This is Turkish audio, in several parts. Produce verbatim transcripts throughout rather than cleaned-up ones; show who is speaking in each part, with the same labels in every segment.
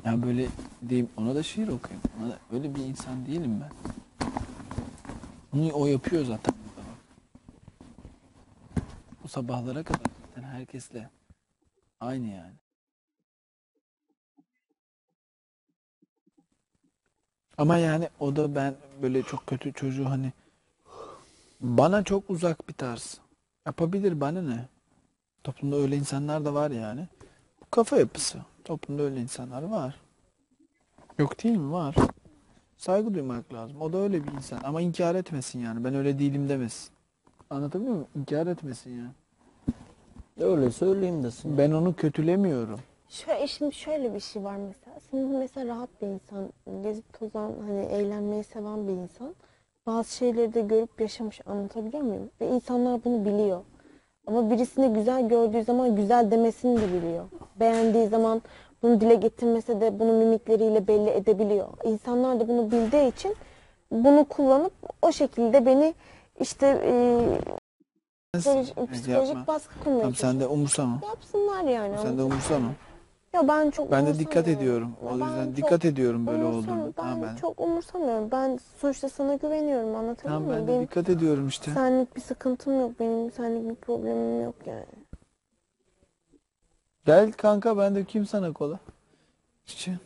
Speaker 1: Ya böyle diyeyim, ona da şiir okuyayım. Ona da, öyle bir insan değilim ben. Onu o yapıyor zaten. O sabahlara kadar zaten herkesle aynı yani. Ama yani o da, ben böyle çok kötü çocuğu hani, bana çok uzak bir tarz. Yapabilir, bana ne? Toplumda öyle insanlar da var yani. Bu kafa yapısı. Toplumda öyle insanlar var. Yok değil mi? Var. Saygı duymak lazım. O da öyle bir insan. Ama inkar etmesin yani. Ben öyle değilim demesin. Anlatabiliyor muyum? İnkar etmesin yani.
Speaker 2: Öyle söyleyeyim desin.
Speaker 1: Ben onu kötülemiyorum.
Speaker 3: Şöyle, şimdi şöyle bir şey var mesela. Şimdi mesela rahat bir insan, gezip tozan, hani eğlenmeyi seven bir insan. Bazı şeyleri de görüp yaşamış, anlatabiliyor muyum? Ve insanlar bunu biliyor. Ama birisini güzel gördüğü zaman güzel demesini de biliyor. Beğendiği zaman bunu dile getirmese de bunu mimikleriyle belli edebiliyor. İnsanlar da bunu bildiği için bunu kullanıp o şekilde beni işte e, psikolojik,
Speaker 1: Evet,
Speaker 3: psikolojik
Speaker 1: yapma.
Speaker 3: baskı kurmaya
Speaker 1: Tamam, sen de
Speaker 3: çalışıyor.
Speaker 1: umursama.
Speaker 3: Yapsınlar yani.
Speaker 1: Sen de
Speaker 3: Anlatabiliyor
Speaker 1: umursama.
Speaker 3: muyum? Ya ben çok
Speaker 1: Ben de dikkat
Speaker 3: umursamıyorum.
Speaker 1: ediyorum.
Speaker 3: Ya
Speaker 1: O
Speaker 3: ben
Speaker 1: yüzden
Speaker 3: çok
Speaker 1: dikkat ediyorum böyle
Speaker 3: umursam,
Speaker 1: olduğunda. Tamam
Speaker 3: ben
Speaker 1: ben.
Speaker 3: çok umursamıyorum. Ben sonuçta sana güveniyorum, anlatabiliyor
Speaker 1: Tamam,
Speaker 3: muyum?
Speaker 1: ben de
Speaker 3: Benim
Speaker 1: dikkat ediyorum işte.
Speaker 3: senlik bir sıkıntım yok, benim senlik bir problemim yok yani.
Speaker 1: Gel kanka, ben dökeyim sana kola. İçin.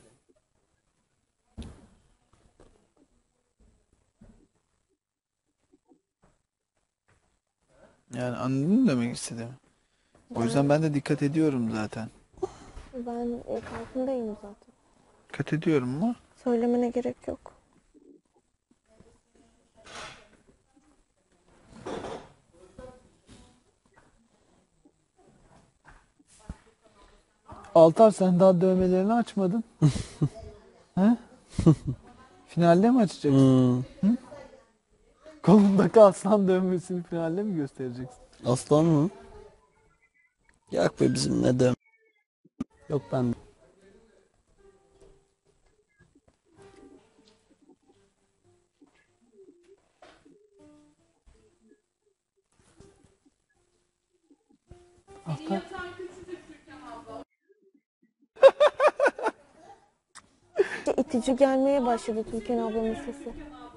Speaker 1: Yani anladın mı demek istediğimi? O yüzden
Speaker 3: Ben
Speaker 1: ben de dikkat ediyorum zaten.
Speaker 3: ben e, farkındayım zaten.
Speaker 1: Dikkat ediyorum mu?
Speaker 3: Söylemene gerek yok.
Speaker 1: Altar, sen daha dövmelerini açmadın. He? Finalde mi açacaksın?
Speaker 2: Hmm.
Speaker 1: Kolundaki aslan dövmesini finalde mi göstereceksin?
Speaker 2: Aslan mı? Yak be, bizim ne dem. Yok ben.
Speaker 1: Altar.
Speaker 3: İşte itici gelmeye başladı Türkan ablamın sesi.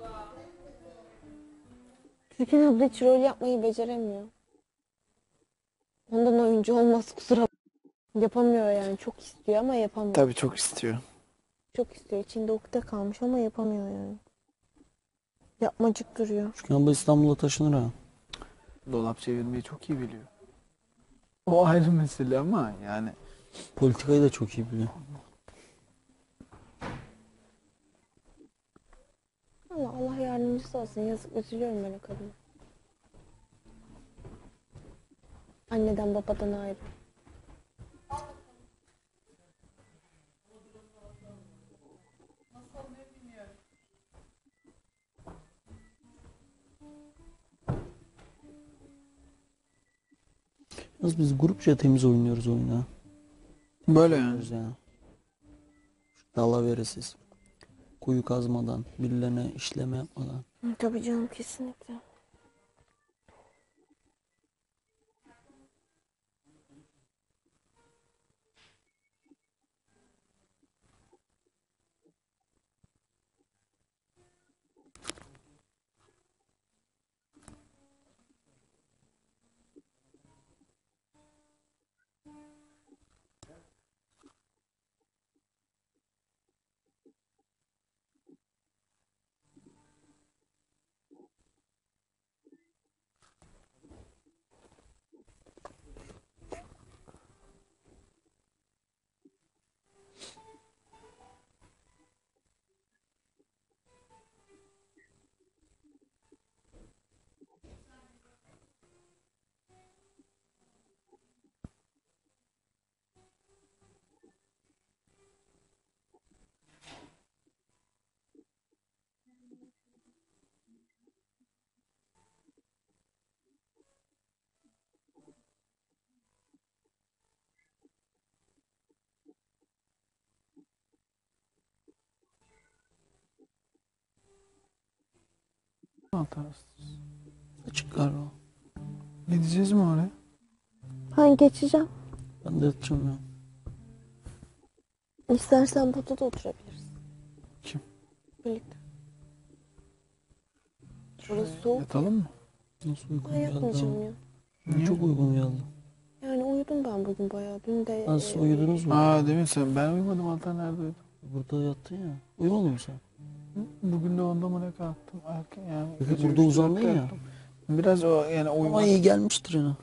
Speaker 3: Türkan abla hiç rol yapmayı beceremiyor. Ondan oyuncu olmaz, kusura bakma. Yapamıyor yani, çok istiyor ama yapamıyor.
Speaker 1: Tabii çok istiyor.
Speaker 3: Çok istiyor, içinde ukde kalmış ama yapamıyor yani. Yapmacık duruyor.
Speaker 2: Çünkü abla İstanbul'a taşınır ha.
Speaker 1: Dolap çevirmeyi çok iyi biliyor. O ayrı mesele ama yani.
Speaker 2: Politikayı da çok iyi biliyor.
Speaker 3: Allah Allah yardımcısı olsun. Yazık, üzülüyorum ben o kadına. Anneden babadan ayrı.
Speaker 2: Yalnız biz grupça temiz oynuyoruz oyunu.
Speaker 1: Böyle yani.
Speaker 2: Oynuyoruz yani. Dalaveresiz. Kuyu kazmadan, birilerine işleme yapmadan.
Speaker 3: Hı, tabii canım, kesinlikle.
Speaker 1: Altar.
Speaker 2: Çıkar o.
Speaker 1: Gideceğiz mi oraya?
Speaker 3: Ben geçeceğim.
Speaker 2: Ben de yatacağım ya.
Speaker 3: İstersen burada da oturabiliriz.
Speaker 1: Kim?
Speaker 3: Birlikte. Burası soğuk.
Speaker 1: Yatalım mı?
Speaker 2: Nasıl uygun
Speaker 3: Ben
Speaker 2: geldi
Speaker 3: yatmayacağım
Speaker 2: ama.
Speaker 3: ya.
Speaker 1: Niye?
Speaker 2: Çok uygun geldi.
Speaker 3: Yani uyudum ben bugün bayağı. Dün de
Speaker 2: Nasıl
Speaker 3: e,
Speaker 2: uyudunuz mu?
Speaker 1: Aa demin sen ben uyumadım Altan nerede uyudun?
Speaker 2: Burada yattın ya. Uyumadın mı sen?
Speaker 1: Bugün de onda mı ne kalktım erken yani.
Speaker 2: Peki
Speaker 1: gece
Speaker 2: burada
Speaker 1: üçte
Speaker 2: uzandın
Speaker 1: dörtte
Speaker 2: ya.
Speaker 1: yattım. Biraz o yani
Speaker 2: Ama
Speaker 1: uyumak.
Speaker 2: iyi gelmiştir yine.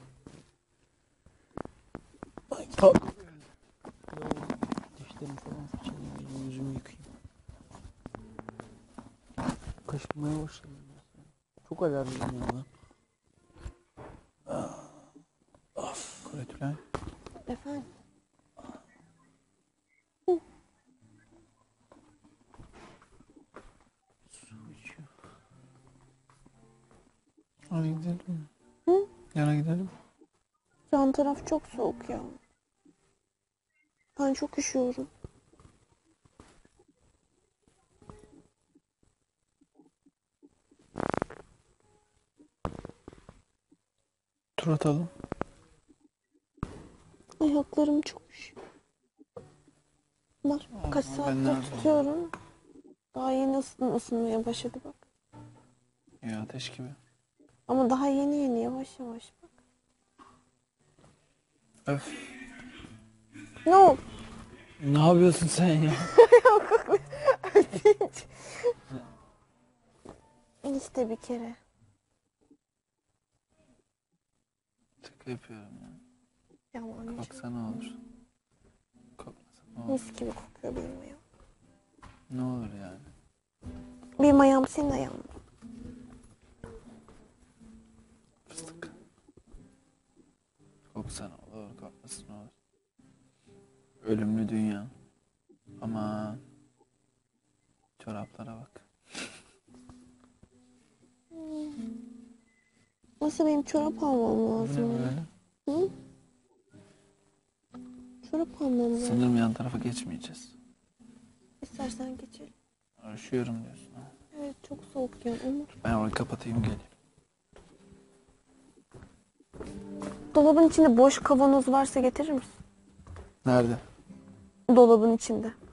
Speaker 1: Ta-
Speaker 2: Dişlerimi falan fırçalayayım. Yüzümü, yüzümü yıkayayım. Kaşınmaya başladım. ya. Çok alerjiyim ya ben.
Speaker 1: Kuretülen.
Speaker 3: efendim.
Speaker 2: Su içiyor.
Speaker 1: Hadi gidelim.
Speaker 3: Hı?
Speaker 1: Yana gidelim.
Speaker 3: Yan taraf çok soğuk ya. Ben çok üşüyorum.
Speaker 1: Tur atalım.
Speaker 3: Ayaklarım çok üşüyor. Bak kaç
Speaker 1: ben
Speaker 3: saattir
Speaker 1: nerede?
Speaker 3: tutuyorum. Daha yeni ısın, ısınmaya başladı bak.
Speaker 1: Ya ateş gibi.
Speaker 3: Ama daha yeni yeni yavaş yavaş bak.
Speaker 1: Öf.
Speaker 3: Ne oldu?
Speaker 1: Ne yapıyorsun sen ya?
Speaker 3: İşte bir kere.
Speaker 1: Şaka yapıyorum ya.
Speaker 3: Yalan.
Speaker 1: Koksa ne olur? Kokmasa ne olur?
Speaker 3: Mis gibi kokuyor benim ayağım.
Speaker 1: Ne olur yani?
Speaker 3: Benim ayağım senin ayağın mı?
Speaker 1: Fıstık. Koksa ne olur? Kokmasa ne olur? Ölümlü dünya. Aman. Çoraplara bak.
Speaker 3: Nasıl benim çorap almam
Speaker 1: Bu ne
Speaker 3: lazım? ya?
Speaker 1: böyle?
Speaker 3: Hı? Çorap almam lazım.
Speaker 1: Sanırım yan tarafa geçmeyeceğiz.
Speaker 3: İstersen geçelim.
Speaker 1: Üşüyorum diyorsun ha.
Speaker 3: Evet çok soğuk ya ama.
Speaker 1: Ben orayı kapatayım geleyim.
Speaker 3: Dolabın içinde boş kavanoz varsa getirir misin?
Speaker 1: Nerede?
Speaker 3: Dolabın içinde.